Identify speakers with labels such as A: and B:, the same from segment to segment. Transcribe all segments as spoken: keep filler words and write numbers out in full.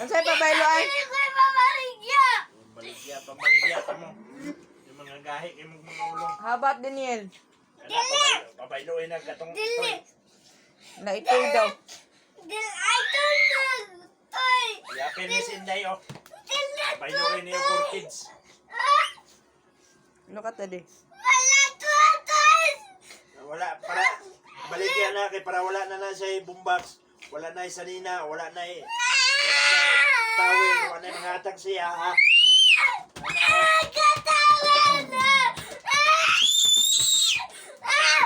A: Ang sa'yo pabayloan?
B: Dili ko pabaligya.
C: Baligya, pamaligya ka mo. Yung mga gahi, yung mga ulong.
A: How about Daniel?
B: Dili.
C: Pabayloin na katong
B: Dili.
A: Na itoy daw.
B: Dili. I don't know. Toy.
C: Yapin ni Sinday, oh.
B: Dili.
C: Pabayloin niyo for kids.
B: Ah,
A: Ano ka tadi?
B: wala to, toy.
C: Wala, para baligya na kay para wala na na siya bumbaks. Wala na yung sanina, wala na yung tawin, wala na yung hatag siya, ha?
B: Ah, katawan na. Ah. Ah.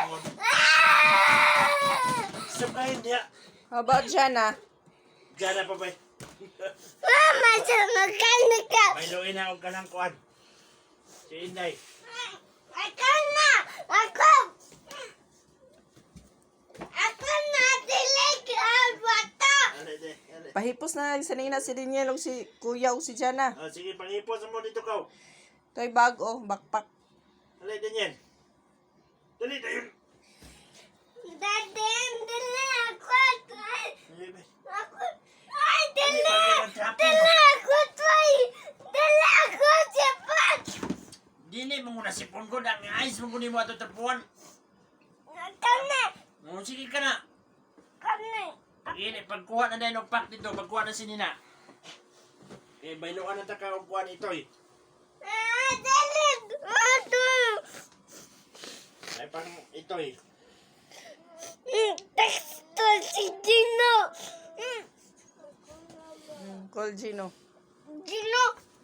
B: Ah.
C: Sabayin niya.
A: How about Jana?
C: Diyan na pa ba?
B: Mama, sa makanika.
C: Bayloin na huwag ka ng kuhan. Si Inday.
B: Ako na. Ako. Ako na. Dilig ang bata.
C: Ano, de, ano.
A: Pahipos na sa nina si Daniel o si Kuya o si Jana.
C: Ah, sige, pangipos mo dito ka.
A: Ito'y bag o, backpack.
C: Alay din yan. Dali, dali.
B: Dati, dili ako.
C: Dali, ba?
B: Ako. Ay, dili.
C: Dali, pag-
B: Dili ako, toy. Dili ako, sipat.
C: Dili mo muna si Pongo na ang ayos mo kunin mo ato tapuan.
B: Kani.
C: Oh, sige ka na.
B: Kani.
C: Pag ini, pagkuha na dahil ng pack dito, pagkuha na si Nina. Eh, bayloan na ta ka kung kuha nito eh.
B: Ah, dili. Ato.
C: Ay, pang ito eh.
B: Mm, Texto si Gino. Mm,
A: Hmm, call Gino.
B: Gino.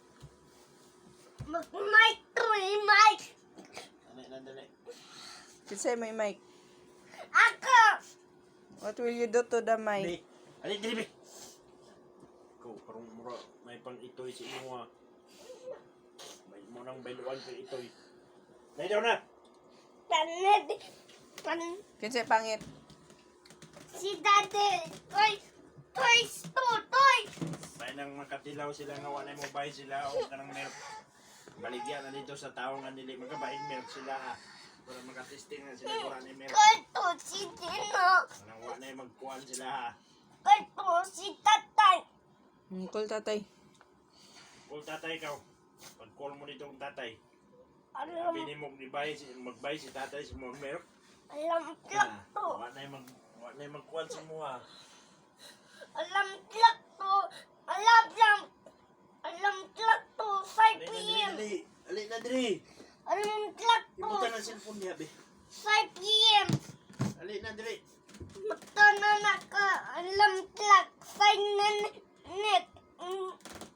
B: Mag-mic to, eh, mic.
C: Dali, dali, dali.
A: Kisay may mic.
B: Ako.
A: What will you do to the
C: Dali,
A: mic?
C: dali, dali, be. Ikaw, parang mura, may pang ito eh, si imo ah. May mo nang bayloan kay ito eh. Dali daw na.
B: Tanid. Tan
A: Kinsay pangit?
B: si Dade. Toy. Toy. To. Toy.
C: May nang makatilaw sila nga wala mo bay sila o kanang milk. Baligyan na dito sa tao nga nili magkabahin milk sila ha. Para makatesting na sila kung ano yung milk.
B: Kato si Gino.
C: Nang wala na magkuhan sila ha.
B: Kato si Tatay.
A: Hmm, call tatay.
C: Kung tatay ka, pag-call mo dito kung tatay.
B: Alam.
C: Pili mo magbay si, magbay si tatay sa mga milk.
B: Alam
C: Ha.
B: tlak to.
C: Wala na yung mag, wala na yung magkuhan sa mo ha.
B: Alam tlak to. Alam lang. Alam tlak to. five
C: Dali
B: p
C: na,
B: m
C: dali, dali. Dali na, dali.
B: Alam tlak to.
C: Ibutan ang cellphone niya, be.
B: five p m
C: Dali na, dali.
B: Magtana na ka. Alam tlak. five na net. Mm.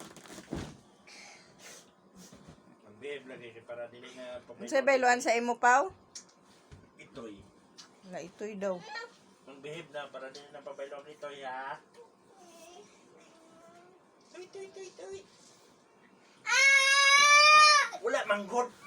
C: Mag-behave lagi kay para dili na
A: Kinsay bayloan sa imo paw?
C: Itoy.
A: Na itoy daw.
C: Mag-behave na para dili na pabaylong ito, ha? Tuy, tuy, tuy, tuy.
B: Ah!
C: Wala, manggod.